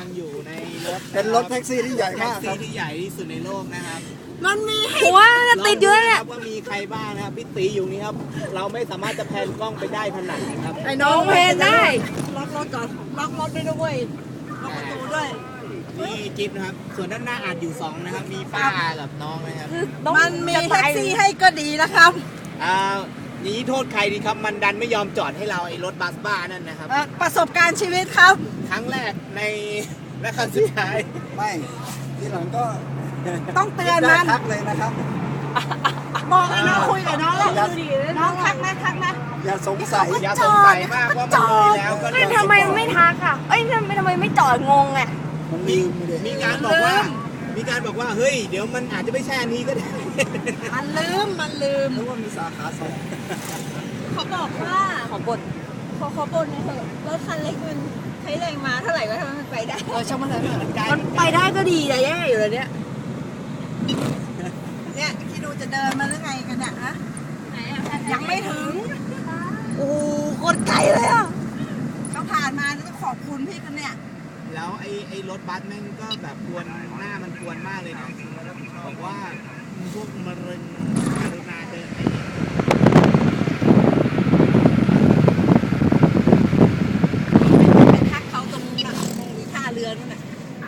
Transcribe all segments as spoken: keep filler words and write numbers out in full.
งอยู่ในรถเป็นรถแท็กซี่ที่ใหญ่มากคแท็รักบซี่ที่ใหญ่ที่สุดในโลกนะครับมันมีหัวจะติดเยอะเนี่ยลงดูนะครับว่ามีใครบ้างนะครับพี่ตีอยู่นี่ครับเราไม่สามารถจะแพนกล้องไปได้ขนาดนี้ครับไอ้น้องเพลงได้ล็อกรถก่อนล็อกรถด้วยด้วยล็อกประตูด้วยนี่จิ๊บนะครับส่วนด้านหน้าอาจอยู่สองนะครับมีป้ากับน้องนะครับมันมีแท็กซี่ให้ก็ดีนะครับอ่าอย่างนี้โทษใครดีครับมันดันไม่ยอมจอดให้เราไอ้รถบัสบ้านั่นนะครับเอ่อประสบการณ์ชีวิตครับครั้งแรกในและครั้งสุดท้ายไม่ทีหลังก็ต้องเตือนมันทักเลยนะครับบอกไอ้น้องคุยกับน้องแล้วน้องทักนะทักนะอย่าสงสัยอย่าสงสัยมากว่ามันมีแล้วก็เอ้ยทำไมไม่ทักอ่ะเอ้ยทำไมทำไมไม่จอดงงอ่ะมันลืมเลยมีการบอกว่า มีการบอกว่าเฮ้ยเดี๋ยวมันอาจจะไม่ใช่อันนี้ก็ได้มันลืมมันลืมนึกว่ามีสาขาสองเขาบอกว่าขอบ่นขอขอบ่นหน่อยเถอะรถคันเล็กมันใช้แรงมาเท่าไหร่ก็ทำให้มันไปได้เออช่างมันเลยมันไกลมันไปได้ก็ดีแต่แย่อยู่เลยเนี่ยเนี่ยคิดดูจะเดินมาหรือไงกันเนี่ยฮะไหนอ่ะยังไม่ถึงโอ้โหโคตรไกลเลยอ่ะเขาผ่านมาต้องขอบคุณพี่กันเนี่ยแล้วไอ้ไอ้รถบัสแม่งก็แบบกวนหน้ามันกวนมากเลยนะบอกว่าพวกมะเร็งกรุณาเดินไปไปทักเขาตรงน่ะตรงท่าเรือนั่นน่ะ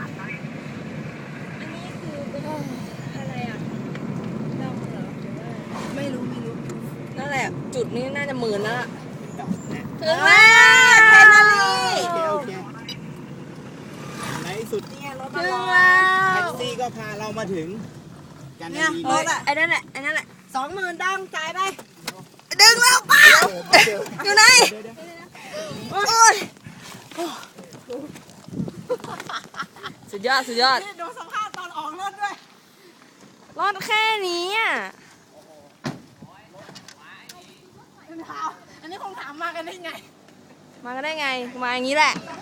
อันนี้คือเป็นอะไรอ่ะดองเหรอหรือว่าไม่รู้ไม่รู้นั่นแหละ จุดนี้น่าจะหมื่นแล้วล่ะดอกนะถึงแล้วแคนาลีโอเคโอเคในที่สุดเนี่ยรถถึมาง รอแล้วแท็กซี่ก็พาเรามาถึงกันเนี่ยดีรถอ่ะไอ้นั่นแหละไอ้นั่นแหละสองหมื่นดังจ่ายไปดึงแล้วป้าอยู่ไหนโอ้ยสุดยอดสุดยอดนี่ดูสภาพตอนออกรถด้วยรอดแค่นี้อ่ะอันนี้คงถามมากันได้ไงมาก็ได้ไง มาอย่างนี้แหละถ